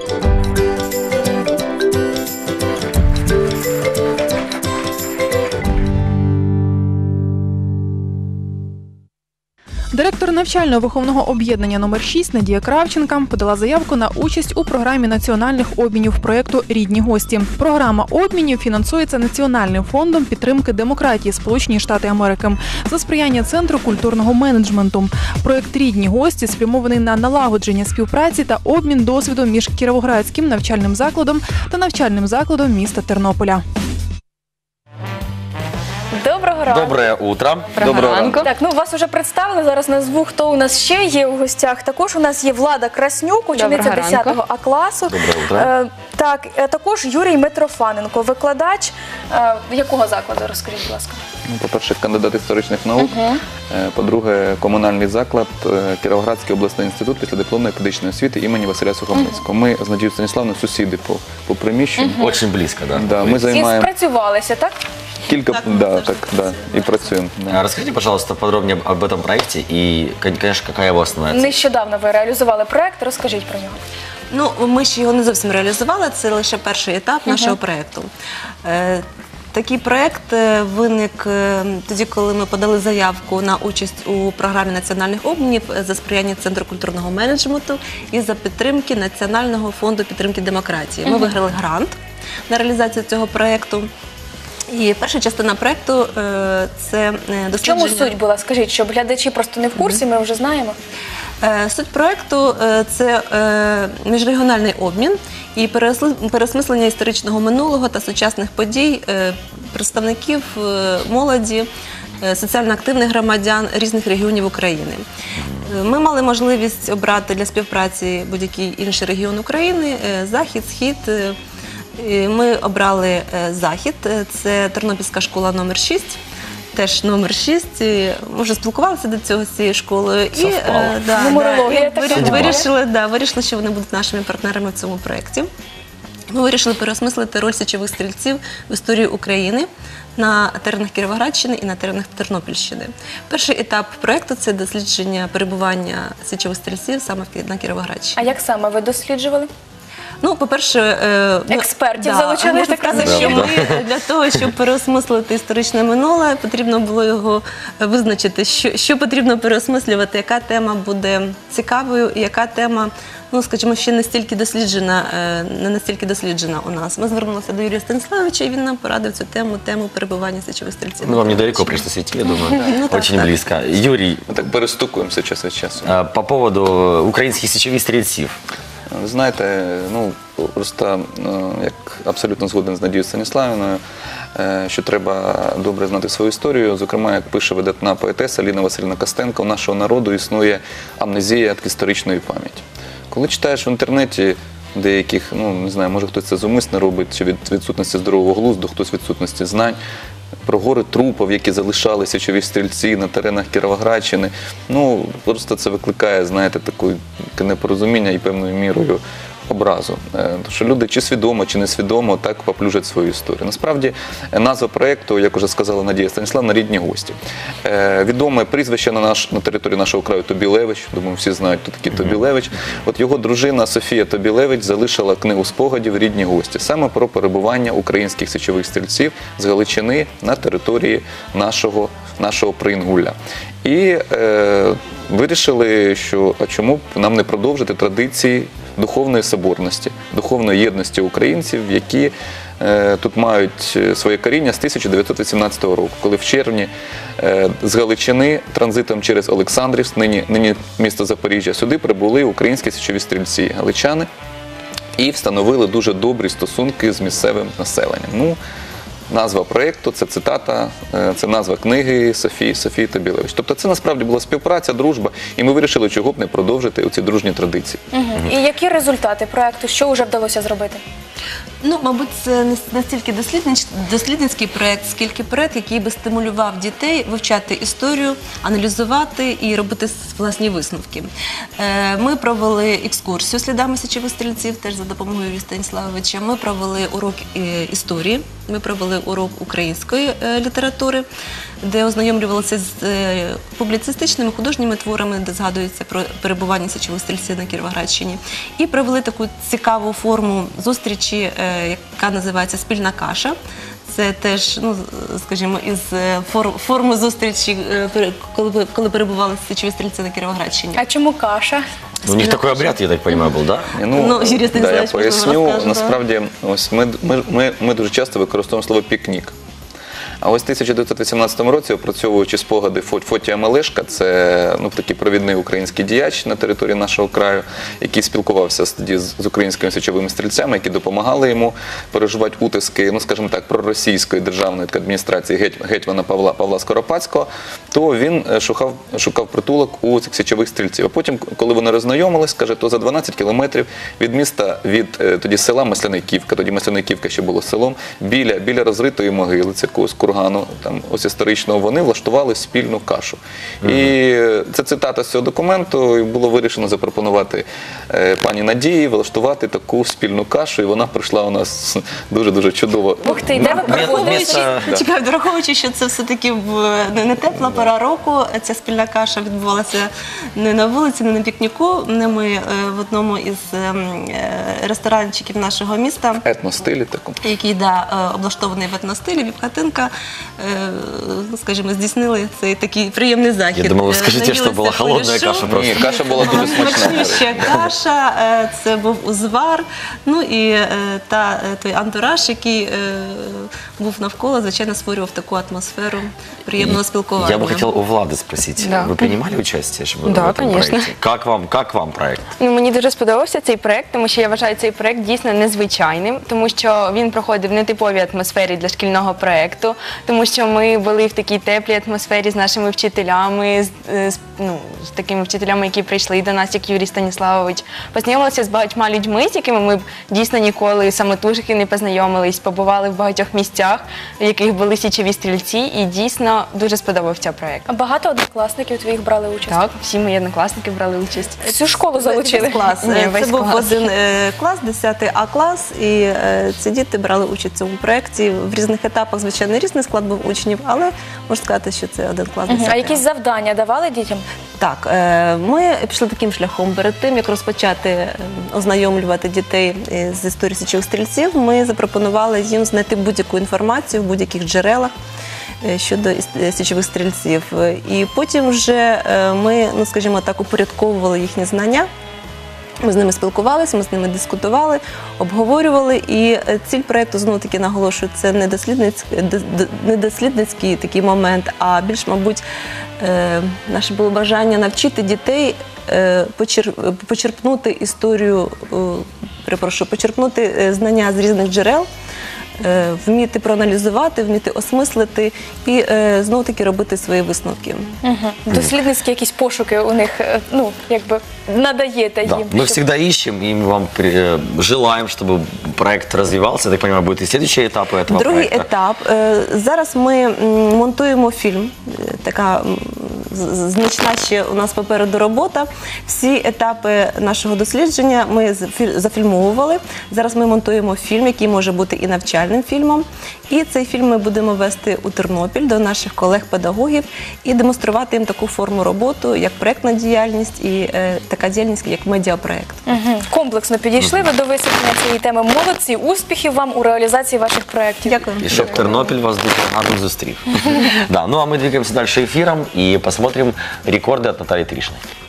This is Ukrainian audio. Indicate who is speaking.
Speaker 1: Директор навчально-виховного об'єднання номер 6 Надія Кравченка подала заявку на участь у програмі національних обмінів проєкту «Рідні гості». Програма обмінів фінансується Національним фондом підтримки демократії Сполучені Штати Америки за сприяння Центру культурного менеджменту. Проєкт «Рідні гості» спрямований на налагодження співпраці та обмін досвідом між Кіровоградським навчальним закладом та навчальним закладом міста Тернополя.
Speaker 2: Доброго ранку.
Speaker 3: Доброе утро.
Speaker 2: Доброго ранку. Так, ну вас вже представили, зараз назву, хто у нас ще є у гостях. Також у нас є Влада Краснюк, учениця 10 А класу.
Speaker 3: Доброе утро.
Speaker 2: Так, також Юрій Митрофаненко, викладач якого закладу, розкажіть, будь ласка.
Speaker 4: Ну, по-перше, кандидат історичних наук, по-друге, комунальний заклад Кіровоградський обласний інститут післядипломної педагогічної освіти імені Василя Сухомлинського. Ми з Надією Станіславною сусіди по приміщенню.
Speaker 3: Очень близко, да?
Speaker 4: Да, ми
Speaker 2: І
Speaker 4: займаємо
Speaker 2: спрацювалися, так?
Speaker 4: кілька, і працюємо. Да.
Speaker 3: Расскажите, пожалуйста, подробнее об этом проекте и, конечно, какая его основная цель?
Speaker 2: Нещодавно ви реалізували проект, розкажіть про нього.
Speaker 5: Ну, ми ще його не зовсім реалізували, це лише перший етап нашого проєкту. Такий проєкт виник тоді, коли ми подали заявку на участь у програмі національних обмінів за сприяння Центру культурного менеджменту і за підтримки Національного фонду підтримки демократії. Ми виграли грант на реалізацію цього проєкту. І перша частина проєкту – це дослідження...
Speaker 2: Чому суть була, скажіть, щоб глядачі просто не в курсі, ми вже знаємо.
Speaker 5: Суть проєкту – це міжрегіональний обмін і переосмислення історичного минулого та сучасних подій представників молоді, соціально активних громадян різних регіонів України. Ми мали можливість обрати для співпраці будь-який інший регіон України – Захід, Схід. Ми обрали Захід, це Тернопільська школа номер 6. Теж номер 6. Ми вже спілкувалися до цього з цією школою. Вирішили, що вони будуть нашими партнерами в цьому проєкті. Ми вирішили переосмислити роль січових стрільців в історії України на теренах Кіровоградщини і на теренах Тернопільщини. Перший етап проєкту – це дослідження перебування січових стрільців саме на Кіровоградщині.
Speaker 2: А як саме ви досліджували?
Speaker 5: Ну, по-перше,
Speaker 2: експертів залучили,
Speaker 5: можна сказати, що ми для того, щоб переосмислити історичне минуле, потрібно було його визначити, що потрібно переосмислювати, яка тема буде цікавою, і яка тема, ну, скажімо, ще не настільки досліджена у нас. Ми звернулися до Юрія Станіславовича, і він нам порадив цю тему перебування січових стрільців.
Speaker 3: Ну, вам недалеко пришлось идти, я думаю. Очень близко. Юрий,
Speaker 4: Ми так перестукуємося час від часу.
Speaker 3: по поводу українських січових стрільців.
Speaker 4: Ви знаєте, ну, просто як абсолютно згоден з Надією Станіславівною, що треба добре знати свою історію. Зокрема, як пише видатна поетеса Ліна Василівна Костенко, у нашого народу існує амнезія від історичної пам'яті. Коли читаєш в інтернеті деяких, ну, не знаю, може хтось це зумисно робить, чи від відсутності здорового глузду, хтось від відсутності знань, про гори трупів, які залишали січові стрільці на теренах Кіровоградщини. Ну, просто це викликає, знаєте, таке непорозуміння і певною мірою образу. Тому що люди чи свідомо, чи несвідомо так поплюжать свою історію. Насправді, назва проєкту, як вже сказала Надія Станіславівна, «Рідні гості». Відоме прізвище на території нашого краю Тобілевич, думаю, всі знають, хто такий Тобілевич. От його дружина Софія Тобілевич залишила книгу спогадів «Рідні гості» саме про перебування українських січових стрільців з Галичини на території нашого Приінгулля. І вирішили, що а чому б нам не продовжити традиції духовної соборності, духовної єдності українців, які тут мають своє коріння з 1918 року, коли в червні з Галичини транзитом через Олександрів, нині місто Запоріжжя, сюди прибули українські січові стрільці, галичани, і встановили дуже добрі стосунки з місцевим населенням. Ну, назва проєкту – це цитата, це назва книги Софії Тобілевич. Тобто це насправді була співпраця, дружба, і ми вирішили, чого б не продовжити оці дружні традиції.
Speaker 2: І які результати проєкту, що вже вдалося зробити?
Speaker 5: Ну, мабуть, це не стільки дослідницький проєкт, скільки проєкт, який би стимулював дітей вивчати історію, аналізувати і робити власні висновки. Ми провели екскурсію слідами січових стрільців, теж за допомогою Юрія Станіславовича. Ми провели урок історії, ми провели урок української літератури, де ознайомлювалися з публіцистичними художніми творами, де згадується про перебування січових стрільців на Кіровоградщині. І провели таку цікаву форму зустрічі, яка називається «Спільна каша». Це теж, ну, скажімо, із форми зустрічі, коли перебували січові стрільці на Кіровоградщині.
Speaker 2: А чому каша?
Speaker 3: У них такой обряд, я так понимаю, был, да?
Speaker 5: Ну, Юрій
Speaker 4: я
Speaker 5: Станіславович,
Speaker 4: поясню.
Speaker 5: можливо, розкаже,
Speaker 4: Насправді, ось ми дуже часто використовуємо слово «пікнік». А ось в 1918 році, опрацьовуючи спогади Фотія Мелешка, це такий провідний український діяч на території нашого краю, який спілкувався тоді з українськими січовими стрільцями, які допомагали йому переживати утиски, ну скажімо так, проросійської державної адміністрації гетьмана Павла Скоропадського, то він шукав притулок у цих січових стрільців. А потім, коли вони роззнайомились, каже, то за 12 кілометрів від міста, від тоді села Масляниківка, тоді Масляниківка ще було селом, біля розритої могили, це якогось кургану, там, ось історичного, вони влаштували спільну кашу. І це цитата з цього документу, і було вирішено запропонувати пані Надії влаштувати таку спільну кашу, і вона прийшла у нас дуже-дуже чудово.
Speaker 2: Ух ти, де ви проводили?
Speaker 5: Чекаю, враховуючи, що це все-таки не тепла пора року, ця спільна каша відбувалася не на вулиці, не на пікніку, не ми в одному із ресторанчиків нашого міста.
Speaker 4: Етностилі такому.
Speaker 5: Який, облаштований в етностилі, віп-хатинка, скажімо, здійснили цей такий приємний захід.
Speaker 3: Я думав, ви скажете, що була холодна каша просто.
Speaker 4: Ні, каша була дуже смачна.
Speaker 5: Смачнюща каша, це був узвар, ну і той антураж, який був навколо, звичайно, створював таку атмосферу приємного спілкування.
Speaker 3: Я бы хотел у Влады спросить,
Speaker 6: Да.
Speaker 3: вы принимали участие в
Speaker 6: Да,
Speaker 3: этом
Speaker 6: конечно.
Speaker 3: проекте? Как вам проект?
Speaker 6: Ну, мені дуже сподобався цей проект, тому що я вважаю цей проект дійсно незвичайним, тому що він проходив в нетиповій атмосфері для шкільного проекту, тому що ми були в такій теплій атмосфері з нашими вчителями, з такими вчителями, які прийшли до нас, як Юрій Станіславович. Познайомилися з багатьма людьми, з якими ми б дійсно ніколи самотужки не познайомились, побували в багатьох місцях, в яких були січові стрільці, і дійсно дуже сподобався проект.
Speaker 2: А багато однокласників твоїх брали участь?
Speaker 6: Так, всі мої однокласники брали участь.
Speaker 2: Всю школу залучили?
Speaker 5: Весь клас.
Speaker 6: Ні,
Speaker 5: Це
Speaker 6: весь
Speaker 5: був
Speaker 6: клас.
Speaker 5: один клас, 10 А клас, і ці діти брали участь в цьому проєкті. В різних етапах, звичайно, різний склад був учнів, але можна сказати, що це один клас. 10
Speaker 2: А якісь завдання давали дітям?
Speaker 5: Так, ми пішли таким шляхом. Перед тим, як розпочати ознайомлювати дітей з історією січових стрільців, ми запропонували їм знайти будь-яку інформацію в будь-яких джерелах щодо січових стрільців. І потім вже ми, скажімо так, упорядковували їхні знання. Ми з ними спілкувалися, ми з ними дискутували, обговорювали. І ціль проєкту, знову-таки наголошую, це не дослідницький такий момент, а більш, мабуть, наше було бажання навчити дітей почерпнути історію, почерпнути знання з різних джерел, вміти проаналізувати, вміти осмислити і знову-таки робити свої висновки.
Speaker 2: Дослідницькі якісь пошуки у них, якби надаєте
Speaker 3: Да.
Speaker 2: їм?
Speaker 3: Мы всегда ищем, и мы вам желаем, чтобы проект развивался. Я так понимаю, будут и следующие этапы этого
Speaker 5: Другий
Speaker 3: проекта.
Speaker 5: етап. Зараз ми монтуємо фільм. Така значна ще у нас попереду робота. Всі етапи нашого дослідження ми зафільмовували. Зараз ми монтуємо фільм, який може бути і навчальним фільмом. І цей фільм ми будемо вести у Тернопіль до наших колег-педагогів і демонструвати їм таку форму роботи, як проєктна діяльність і така діяльність, як медіапроєкт.
Speaker 2: Комплексно підійшли ви до висвітлення цієї теми. Молодці, успіхів вам у реалізації ваших проєктів.
Speaker 5: Дякую.
Speaker 3: И чтоб Тернопіль вас дуже гарно зустрів. Да, ну а мы двигаемся дальше эфиром и посмотрим рекорды от Натальи Тришиной.